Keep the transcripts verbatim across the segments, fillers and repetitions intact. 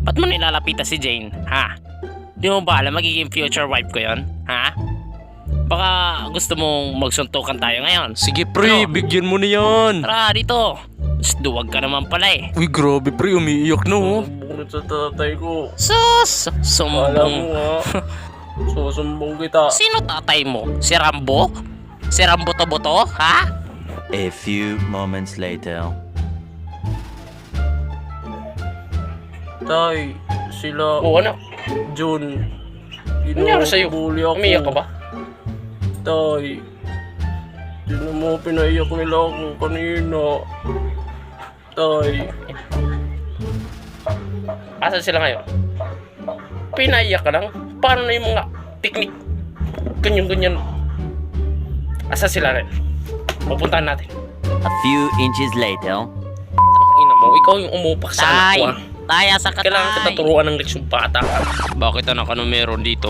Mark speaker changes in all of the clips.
Speaker 1: Ba't mo nilalapitan si Jane, ha? Di mo ba alam magiging future wife ko yon, ha? Baka gusto mong magsuntukan tayo ngayon.
Speaker 2: Sige pre,
Speaker 1: Ano?
Speaker 2: bigyan mo na yan.
Speaker 1: Tara dito. Mas duwag ka naman pala eh.
Speaker 2: Uy grabe pre, umiiyak na oh.
Speaker 3: Sumbong sa tatay ko.
Speaker 1: Sus!
Speaker 3: Alam mo
Speaker 1: Sumbong.
Speaker 3: ha. Susumbong kita.
Speaker 1: Sino tatay mo? Si Rambo? Si Rambo to boto, ha?
Speaker 4: A few moments later.
Speaker 3: Tay, sila,
Speaker 1: Oo, ano?
Speaker 3: Jun.
Speaker 1: Ano nangyari sa'yo?
Speaker 3: Bully ako.
Speaker 1: Umiyak ka ba?
Speaker 3: Tay, sino mo pinaiyak nila ako kanina? Tay,
Speaker 1: Asan sila ngayon? Pinaiyak ka lang? Paano na yung mga teknik? Ganyan-ganyan. Asan sila rin? Pupuntahan natin.
Speaker 4: A few inches later.
Speaker 1: Ina mo, ikaw yung umupak sa anak ko, ah.
Speaker 5: Tay, asa ka,
Speaker 1: Kailangan
Speaker 5: tay?
Speaker 1: kita turuan ng leksyon bata ka. Bakit anak, ano meron dito?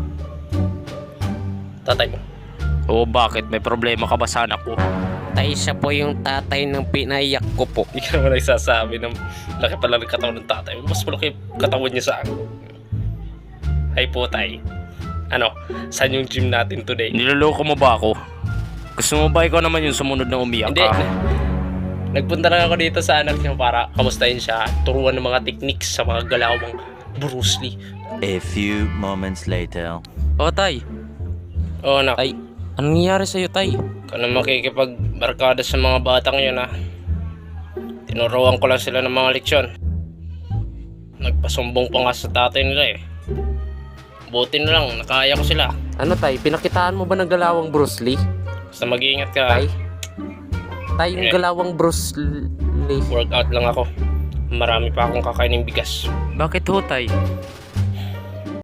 Speaker 1: Tatay mo. Oo, bakit? May problema ka ba sa anak ko?
Speaker 5: Tay, siya po yung tatay ng pinaiyak ko po.
Speaker 1: Hindi ka naman nagsasabi ng laki pala ng katawan ng tatay. Mas malaki katawan niya sa akin. Hi po, tay. Ano, saan yung gym natin today? Niloloko mo ba ako? Gusto mo ba ikaw naman yung sumunod na umiyak
Speaker 3: Hindi.
Speaker 1: ka? Nagpunta lang ako dito sa anak niya para kamustahin siya, turuan ng mga techniques sa mga galawang Bruce Lee.
Speaker 4: A few moments later.
Speaker 5: O, tay.
Speaker 1: Oo, anak.
Speaker 5: Tay, anong nangyari sa'yo, tay?
Speaker 1: Ka na makikipagbarkada sa mga batang yun, ha? Tinuruan ko lang sila ng mga leksyon. Nagpasumbong pa nga sa tatay nila eh. Buti na lang, nakaya ko sila.
Speaker 5: Ano, tay? Pinakitaan mo ba ng galawang Bruce Lee?
Speaker 1: Basta mag-iingat ka, ha?
Speaker 5: Tay? Tay, yung
Speaker 1: Eh.
Speaker 5: galawang Bruce Lee.
Speaker 1: Workout lang ako. Marami pa akong kakainin bigas.
Speaker 2: Bakit ho tay?